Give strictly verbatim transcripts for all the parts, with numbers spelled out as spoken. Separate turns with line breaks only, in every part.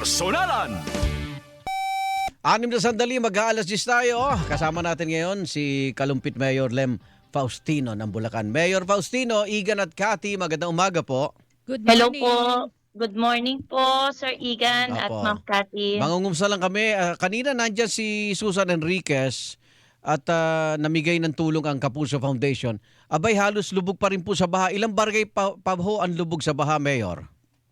Personalan.
Anim na sandali, mag-aalas diyes tayo. Kasama natin ngayon si Kalumpit Mayor Lem Faustino ng Bulacan. Mayor Faustino, Igan at Cathy, magandang umaga po.
Good
Hello
morning.
po. Good morning po, Sir Igan at
Apo.
Ma'am Cathy.
Mangungumsa lang kami. Ah, kanina nandyan si Susan Enriquez at ah, namigay ng tulong ang Kapuso Foundation. Abay, halos lubog pa rin po sa baha. Ilang barangay pa, pa ho ang lubog sa baha, Mayor?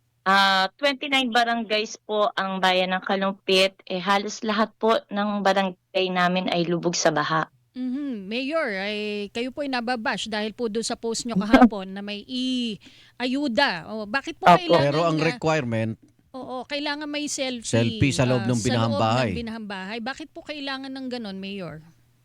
Ah, twenty-nine barangays po ang bayan ng Kalumpit. Eh, halos lahat po ng barangay namin ay lubog sa baha.
Mhm. Mayor, ay kayo po ay nababash dahil po doon sa post nyo kahapon na may i-ayuda. O, bakit po
Opo.
kailangan
Pero ang
na-
requirement,
Oo, kailangan may selfie.
Selfie sa loob
ah,
ng binahang
Sa
bahay.
loob ng binahang bahay. Bakit po kailangan ng ganon, Mayor?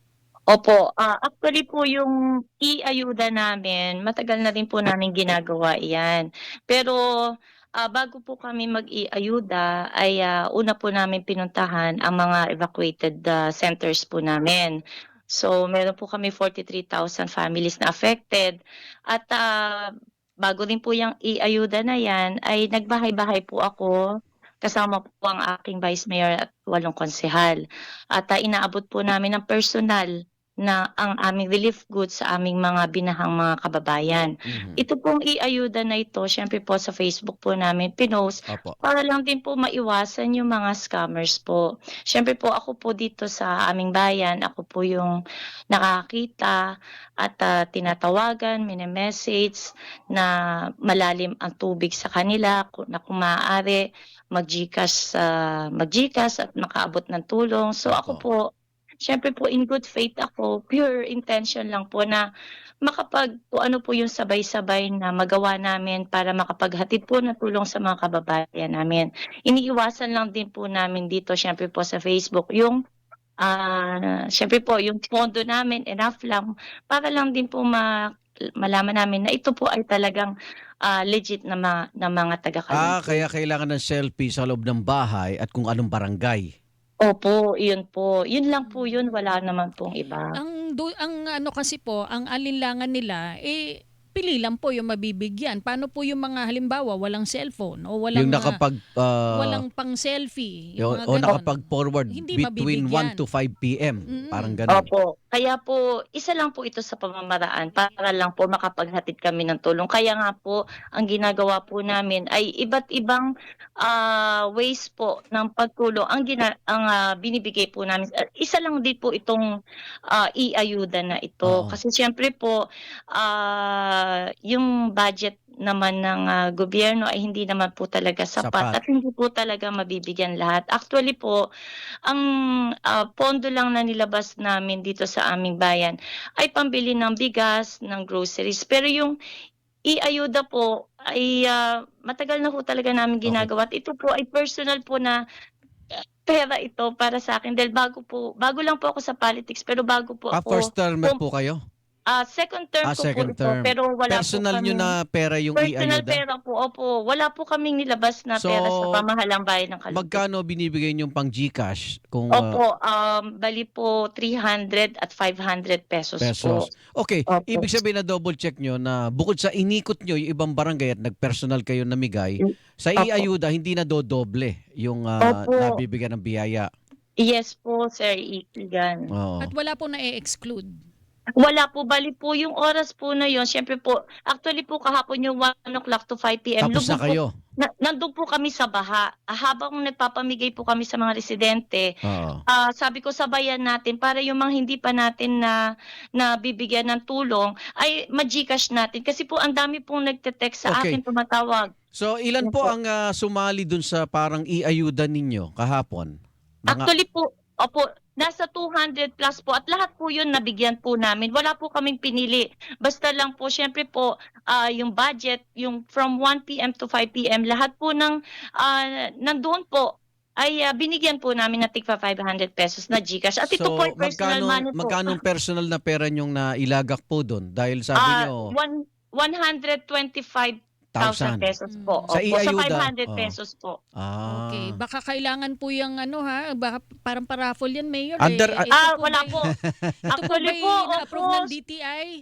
Opo, ah, actually po yung i-ayuda namin, matagal na rin po namin ginagawa iyan. Pero ah, bago po kami mag-i-ayuda ay ah, una po namin pinuntahan ang mga evacuated ah, centers po namin. So meron po kami forty-three thousand families na affected at ah, bago din po yung i-ayuda na yan ay nagbahay-bahay po ako kasama po ang aking vice mayor at walong konsehal. At ah, inaabot po namin ng personal na ang aming relief goods sa aming mga binahang mga kababayan.
mhm.
Ito pong i-ayuda na ito, syempre po sa Facebook po namin pinost
Opo.
para lang din po maiwasan yung mga scammers po. Syempre po ako po dito sa aming bayan, ako po yung nakakita at ah, tinatawagan, mini-message na malalim ang tubig sa kanila ku- na kung maaari mag-Gcash, ah, mag-Gcash at makaabot ng tulong. So ako
Opo.
po, syempre po in good faith ako, pure intention lang po na makapag kung ano po yung sabay-sabay na magawa namin para makapaghatid po ng tulong sa mga kababayan namin. Iniiwasan lang din po namin dito syempre po sa Facebook yung ah syempre po yung pondo namin enough lang para lang din po ma malaman namin na ito po ay talagang ah, legit na, ma- na mga
Ah,
taga-Kalumpit.
kaya kailangan ng selfie sa loob ng bahay at kung anong barangay.
Opo, yun po. Yun lang po yun, wala naman pong iba.
Ang, do, ang ano kasi po, ang alinlangan nila, eh, pili lang po yung mabibigyan. Paano po yung mga halimbawa, walang cellphone o walang,
Yung
ah,
nakapag... ah,
walang pang selfie.
Yung,
Yung mga
o
ganon.
nakapag-forward
Hindi
between
mabibigyan.
one to five p m
Mm-mm.
Parang ganun.
Opo. Kaya po, isa lang po ito sa pamamaraan para lang po makapaghatid kami ng tulong. Kaya nga po, ang ginagawa po namin ay iba't ibang ah, ways po ng pagtulong ang, gina- ang ah, binibigay po namin. Ah, Isa lang din po itong ah, i-ayuda na ito.
Oo.
Kasi siyempre po, ah, yung budget naman ng ah, gobyerno ay hindi naman po talaga sapat,
Sapat.
at hindi po talaga mabibigyan lahat. Actually po, ang ah, pondo lang na nilabas namin dito sa aming bayan ay pambili ng bigas, ng groceries. Pero yung i-ayuda po ay ah, matagal na po talaga namin
Okay.
ginagawa. At ito po ay personal po na ah, pera ito para sa akin dahil bago po, bago lang po ako sa politics pero bago po
Ah,
ako,
first termer
pum-
po kayo?
ah, second term
Ah,
ko
second
po ito
term.
pero wala
Personal
po
nyo
kami.
na pera yung
Personal
i-ayuda?
pera po, opo. Wala po kaming nilabas na
So,
pera sa pamahalang bayan ng Kalumpit.
Magkano binibigay nyo pang Gcash? Kung ah,
Opo, um, bali po three hundred at five hundred pesos,
pesos.
po.
Okay,
Opo.
ibig sabihin na double check nyo na bukod sa inikot nyo yung ibang barangay at nag-personal kayo namigay, sa
Opo.
i-ayuda hindi na dodoble yung ah,
Opo.
nabibigyan ng biyaya.
Yes po, Sir Igan.
Oo.
At wala po na-exclude.
Wala po, bali po yung oras po na yon. Siyempre po, actually po kahapon yung one o'clock to five p m.
Tapos na
lubog po-
kayo.
Na, nandun po kami sa baha. Ah, Habang nagpapamigay po kami sa mga residente,
Oo.
ah, sabi ko sabayan natin para yung mga hindi pa natin na nabibigyan ng tulong ay ma-Gcash natin. Kasi po ang dami pong nagte-text sa
Okay.
akin, tumatawag.
So ilan po
Opo.
ang ah, sumali dun sa parang i-ayuda ninyo kahapon? Mga
Actually po, opo, nasa two hundred plus po at lahat po yun nabigyan po namin. Wala po kaming pinili. Basta lang po, syempre po, ah, yung budget, yung from one p m to five p m, lahat po ng ah, nandoon po ay ah, binigyan po namin ng tigpa five hundred pesos na Gcash. At ito
so
po ay personal
magkano,
money po.
magkano personal na pera nyong nailagak po dun? Dahil sabi
Ah,
nyo,
one, one hundred twenty-five thousand
thousand.
pesos po.
Sa
Opo, sa
i-ayuda,
five hundred
oh.
pesos po.
Ah.
Okay, baka kailangan po yung ano ha, baka parang paraffle yan, Mayor.
Under-
eh. Ito
Ah,
po
wala
ba'y-
po.
Ito po
Actually
ba'y
po,
na-approve
opo.
ng D T I?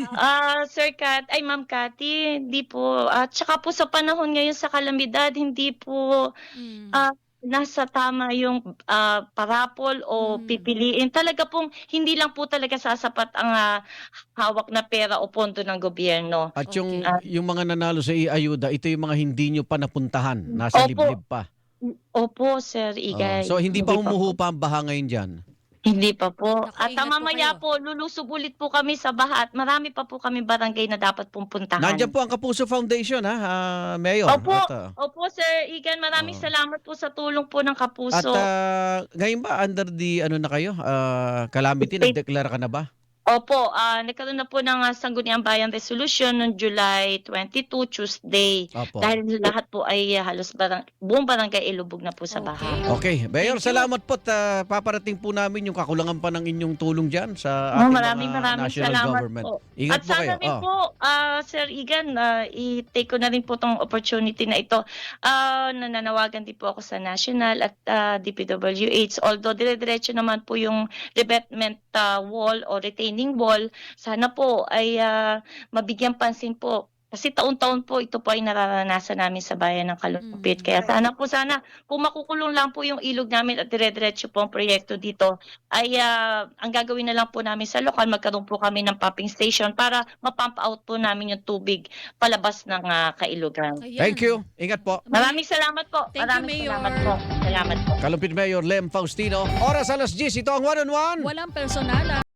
Ah, Sir Kat, ay Ma'am Cathy, hindi po. At saka po sa panahon ngayon sa kalamidad, hindi po
Mm.
ah, nasa tama yung ah, parapol o
Mm.
pipiliin. Talaga pong hindi lang po talaga sasapat ang ah, hawak na pera o pondo ng gobyerno.
At yung,
Okay.
Ah,
yung mga nanalo sa i-ayuda, ito yung mga hindi nyo pa napuntahan. Nasa
Opo.
liblib pa.
Opo, Sir
Oh,
Igay.
so hindi pa
po.
humuhupa ang baha ngayon dyan?
Hindi pa po.
Naku,
At
ingat
ah,
po
mamaya
kayo.
po, lulusob ulit po kami sa baha at marami pa po kami barangay na dapat pong puntahan.
Nandiyan po ang Kapuso Foundation, ha, ah, Mayor.
Opo,
At, ah,
opo Sir Igan, maraming
Oo.
salamat po sa tulong po ng
at
Kapuso.
ah, ngayon ba under the ano na kayo? Ah, calamity,
State-
nagdeklara ka na ba?
Opo, ah, nagkaroon na po ng ah, Sangguniang Bayan Resolution noong July twenty-two, Tuesday.
Opo.
Dahil lahat po ay ah, halos barang, buong barangay ilubog na po sa
Okay.
baha.
Okay, Mayor,
Thank you.
salamat po. at, ah, paparating po namin yung kakulangan pa ng inyong tulong dyan sa
Oh,
ating
maraming
mga
maraming
national
salamat
government.
po.
Ingat
At
po
sana
kayo.
rin
Oh.
po, ah, Sir Igan, ah, i-take ko na rin po tong opportunity na ito. Ah, nananawagan din po ako sa National at ah, D P W H. Although dire-diretso naman po yung revetment ah, wall o retaining wall, sana po ay ah, mabigyan pansin po. Kasi taon-taon po ito po ay nararanasan namin sa bayan ng Kalumpit.
Mm.
Kaya sana po sana, kung makukulong lang po yung ilog namin at dire-diretso po ang proyekto dito, ay ah, ang gagawin na lang po namin sa lokal, magkaroon po kami ng pumping station para mapump out po namin yung tubig palabas ng ah, kailugan.
Ayan.
Thank you. Ingat po.
Maraming salamat po.
Thank you,
Maraming
Mayor.
salamat po. Salamat po.
Kalumpit Mayor Lem Faustino. Oras alas diyes. Ito ang one on one.
Walang personalan.